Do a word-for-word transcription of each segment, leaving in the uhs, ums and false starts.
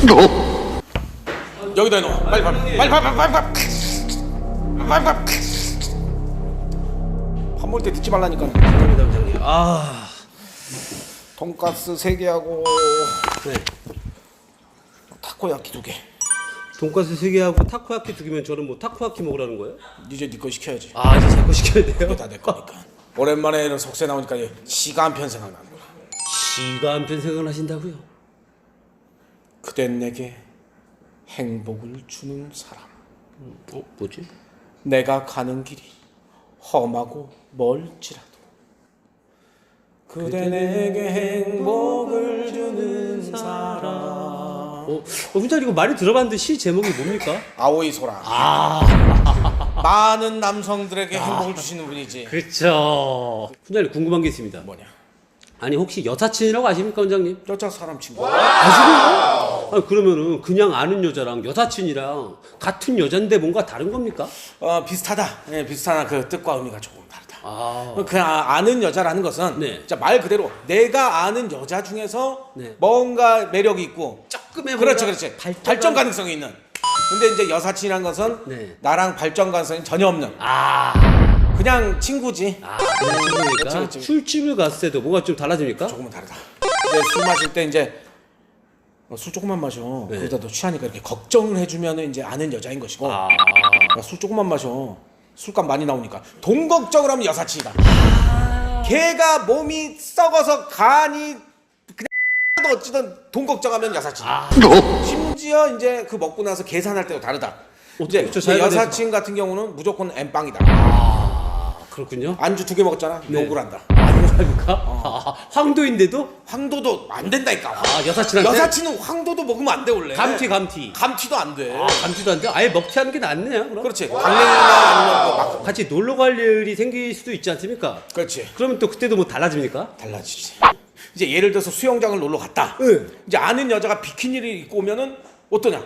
여기다 해놓아. 빨리 빨리 빨리 빨리 빨리 빨리 빨리 빨리. 밥 먹을 때 듣지 말라니까. 감사합니다, 원장님. 아, 돈가스 세 개하고 네. 타코야키 두 개. 돈가스 세 개하고 타코야키 두 개면 저는 뭐 타코야키 먹으라는 거예요? 이제 네 거 시켜야지. 아, 이제 제 거 시켜야 돼요? 이게 다 내 거니까. 오랜만에 이런 속세 나오니까 시가 한 편 생각나는 거야. 시가 한편 생각을 하신다고요? 그댄 내게 행복을 주는 사람. 어, 뭐지? 내가 가는 길이 험하고 멀지라도 그대 내게 행복을 주는 사람. 어, 어 훈장 이거 많이 들어봤는데 시 제목이 뭡니까? 아오이 소라. 아, 많은 남성들에게 행복을 주시는 분이지. 그렇죠. 훈장님 궁금한 게 있습니다. 뭐냐? 아니 혹시 여사친이라고 아십니까, 원장님? 여자 사람 친구. 아시고요? 아니 그러면은 그냥 아는 여자랑 여사친이랑 같은 여잔데 뭔가 다른 겁니까? 어 비슷하다. 예, 비슷하나 그 뜻과 의미가 조금 다르다. 아, 그 아는 여자라는 것은 네. 진짜 말 그대로 내가 아는 여자 중에서 네. 뭔가 매력이 있고 조금의 그렇지 뭔가 그렇지 발전, 발전 가능성이 있는. 근데 이제 여사친이란 것은 네. 나랑 발전 가능성이 전혀 없는 아, 그냥 친구지. 아, 그런 친구니까 그렇지, 그렇지. 술집을 갔을 때도 뭔가 좀 달라집니까? 조금은 다르다. 이제 술 마실 때 이제 어, 술 조금만 마셔. 네. 그러다 너 취하니까 이렇게 걱정을 해주면은 이제 아는 여자인 것이고. 아, 야, 술 조금만 마셔. 술값 많이 나오니까 돈 걱정을 하면 여사친이다. 걔가 몸이 썩어서 간이 그냥 어찌든 돈 걱정하면 여사친. 아. 심지어 이제 그 먹고 나서 계산할 때도 다르다. 이제 그렇죠. 그 자기가 여사친 같은 경우는 무조건 엠빵이다. 아, 그렇군요. 안주 두 개 먹었잖아. 네. 욕을 한다. 아, 그렇습니까? 아, 황도인데도 황도도 안 된다니까. 아, 여사친한테 여사친은 황도도 먹으면 안 돼 원래. 감튀 감튀. 감튀도 안 돼. 아, 감튀도 안 돼? 아예 먹튀하는 게 낫네요. 그럼. 그렇지. 강냉이나 아니면 그 막. 같이 놀러 갈 일이 생길 수도 있지 않습니까? 그렇지. 그러면 또 그때도 뭐 달라집니까? 달라지지. 이제 예를 들어서 수영장을 놀러 갔다. 네. 이제 아는 여자가 비키니를 입고 오면은 어떠냐?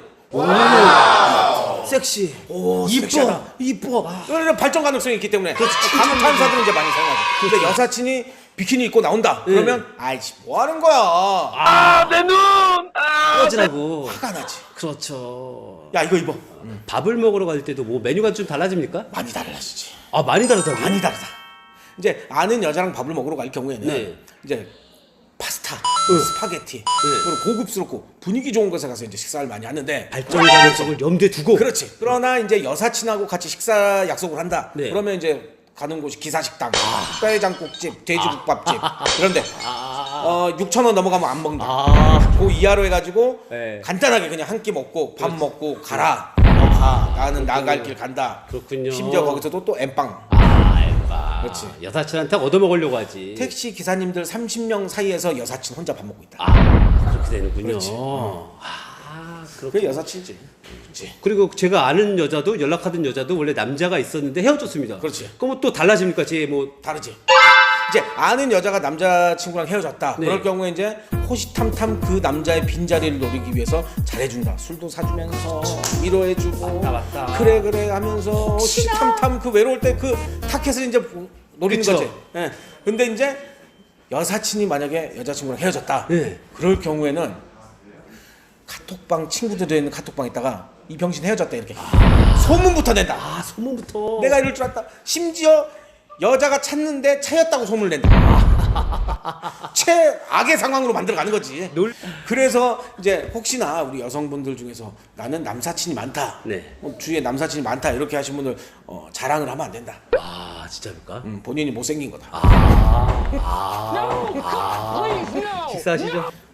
섹시. 오, 이뻐. 섹시하다. 이뻐. 아, 그러니까 발전 가능성이 있기 때문에 감탄사들은 이제 많이 사용하죠. 근데 여사친이 비키니 입고 나온다. 네. 그러면 아이씨 뭐 하는 거야? 아, 내 눈! 아, 꺼지라고. 화가 나지. 그렇죠. 야 이거 입어. 밥을 먹으러 갈 때도 뭐 메뉴가 좀 달라집니까? 많이 달라지지. 아, 많이 다르다고요? 많이 다르다. 이제 아는 여자랑 밥을 먹으러 갈 경우에는 네. 이제 파스타, 응. 스파게티 그리고 고급스럽고 분위기 좋은 곳에 가서 이제 식사를 많이 하는데 발전 가능성을 염두에 두고. 그렇지. 그러나 이제 여사친하고 같이 식사 약속을 한다. 네. 그러면 이제 가는 곳이 기사식당, 뼈해장국집, 돼지국밥집 그런데 아, 어 육천 원 넘어가면 안 먹는다. 아, 그 이하로 해가지고 네. 간단하게 그냥 한 끼 먹고 밥 먹고 가라. 가. 나는 나갈 길 간다. 그렇군요. 심지어 거기서도 또 엠빵. 아, 알바. 그렇지. 여사친한테 얻어먹으려고 하지. 택시 기사님들 삼십 명 사이에서 여사친 혼자 밥 먹고 있다. 아, 그렇게 되는군요. 그렇지. 아, 그렇 그게 여사친이지. 그렇지. 그리고 제가 아는 여자도 연락하던 여자도 원래 남자가 있었는데 헤어졌습니다. 그렇지. 그럼 또 달라집니까? 제 뭐 다르지. 이제 아는 여자가 남자친구랑 헤어졌다. 네. 그럴 경우에 이제 호시탐탐 그 남자의 빈자리를 노리기 위해서 잘해준다. 술도 사주면서 위로해주고 맞다, 맞다. 그래 그래 하면서 호시탐탐 그 외로울 때 그 타켓을 이제 노리는 그쵸. 거지. 예. 근데 이제 여사친이 만약에 여자친구랑 헤어졌다. 네. 그럴 경우에는 카톡방 친구들이 있는 카톡방 있다가 이 병신 헤어졌다 이렇게 소문부터 낸다. 아, 소문부터 내가 이럴 줄 알았다. 심지어 여자가 찾는데 차였다고 소문을 낸다. 최악의 상황으로 만들어가는 거지. 놀- 그래서 이제 혹시나 우리 여성분들 중에서 나는 남사친이 많다. 네. 어, 주위에 남사친이 많다 이렇게 하신 분들 어, 자랑을 하면 안 된다. 아, 진짜입니까? 음, 본인이 못생긴 거다. 아, 아, 아. 식사하시죠?